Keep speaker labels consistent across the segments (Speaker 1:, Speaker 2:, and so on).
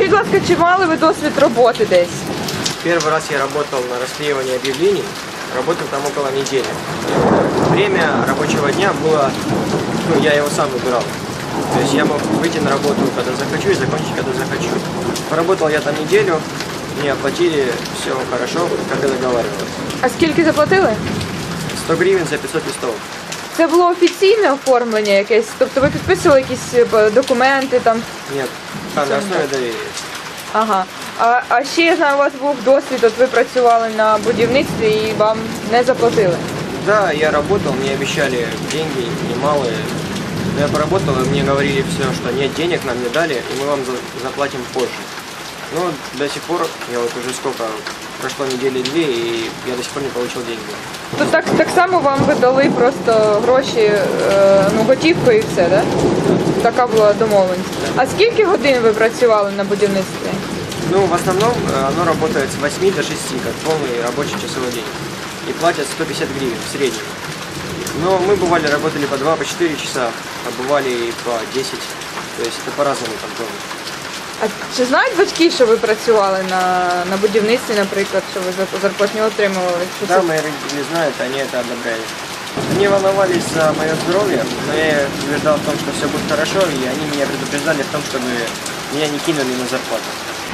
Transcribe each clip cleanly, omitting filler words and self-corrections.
Speaker 1: Скажіть, будь ласка, чи мали ви досвід роботи десь?
Speaker 2: Первый раз я работал на расклеивании объявлений, работал там около недели. Время рабочего дня было, я его сам выбирал. То есть я мог выйти на работу, когда захочу, и закончить, когда захочу. Поработал я там неделю, мне оплатили, все хорошо, как и договаривалось.
Speaker 1: А скільки заплатили?
Speaker 2: 100 гривен за 500 листов.
Speaker 1: Це було офіційне оформлення якесь? Тобто ви підписували якісь документи там?
Speaker 2: Нет, там на основе доверия.
Speaker 1: Ага. А ще, я знаю, у вас був досвід, от ви працювали на будівництві і вам не заплатили.
Speaker 2: Да, я работал, мне обещали деньги немалые. Но я поработал, и мне говорили все, что нет денег, нам не дали, и мы вам заплатим позже. Но до сих пор, я вот уже сколько, прошло недели две, и я до сих пор не получил деньги.
Speaker 1: То так само вам видали просто гроші, готівкою і все, да? Така була домовленість. А скільки годин ви працювали на будівництві?
Speaker 2: Ну, в основном оно работает с 8 до 6, как полный рабочий часовой день. И платят 150 гривен в среднем. Но мы бывали, работали по 2, по 4 часа, а бывали и по 10. То есть это по-разному там тоже.
Speaker 1: А чи знають батьки, що ви працювали на будівництві, наприклад, що ви зарплатню отримували?
Speaker 2: Да, мои родители знают, они это одобряли. Они волновались за мое здоровье, но я убеждал в том, что все будет хорошо, и они меня предупреждали в том, чтобы меня не кинули на зарплату.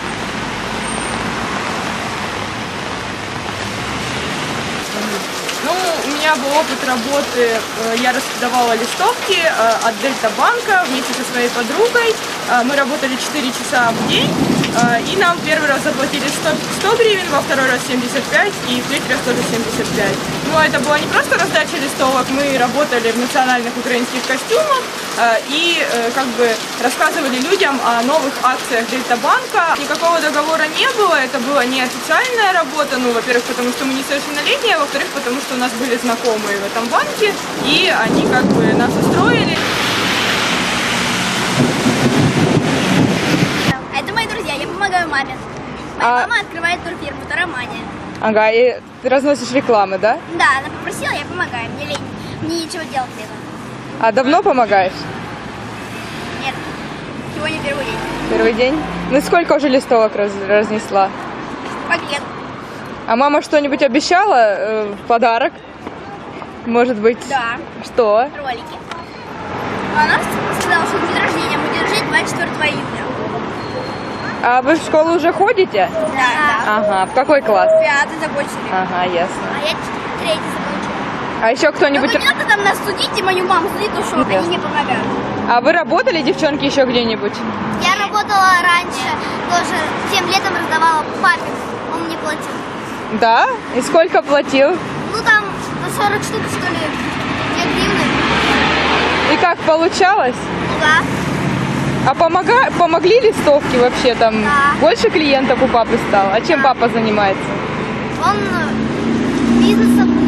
Speaker 3: Ну, у меня был опыт работы, я раздавала листовки от Дельта-банка вместе со своей подругой. Мы работали 4 часа в день, и нам первый раз заплатили 100 гривен, во второй раз 75 и в третий раз тоже 75. Но это была не просто раздача листовок, мы работали в национальных украинских костюмах и как бы рассказывали людям о новых акциях Дельта-банка. Никакого договора не было, это была неофициальная работа, ну, во-первых, потому что мы несовершеннолетние, а во-вторых, потому что у нас были знакомые в этом банке, и они как бы нас устроили.
Speaker 4: Это мои друзья, я помогаю маме. Моя мама открывает турфирму Тарамания.
Speaker 1: Ага, и ты разносишь рекламы, да?
Speaker 4: Да, она попросила, я помогаю. Мне лень, мне нечего делать для этого.
Speaker 1: А давно помогаешь?
Speaker 4: Нет, сегодня первый день.
Speaker 1: Первый день? Ну сколько уже листовок разнесла?
Speaker 4: Пакет.
Speaker 1: А мама что-нибудь обещала в подарок? Может быть?
Speaker 4: Да.
Speaker 1: Что?
Speaker 4: Ролики. Она сказала, что день рождения будет жить 24 июня.
Speaker 1: А вы в школу уже ходите?
Speaker 4: Да.
Speaker 1: Ага, в какой класс?
Speaker 4: 5 закончили.
Speaker 1: Ага, ясно.
Speaker 4: А я 3 закончила.
Speaker 1: А еще кто-нибудь...
Speaker 4: Ну, не надо там нас судить, и мою маму судить, потому что
Speaker 1: Ясно.
Speaker 4: они не помогают.
Speaker 1: А вы работали, девчонки, еще где-нибудь?
Speaker 4: Я работала раньше, тоже тем летом раздавала папе, он мне платил.
Speaker 1: Да? И сколько платил?
Speaker 4: Ну там по 40 штук, что ли, 2 гривны.
Speaker 1: И как получалось?
Speaker 4: Ну да.
Speaker 1: А помогли листовки вообще там?
Speaker 4: Да.
Speaker 1: Больше клиентов у папы стало? А чем папа занимается?
Speaker 4: Он бизнесом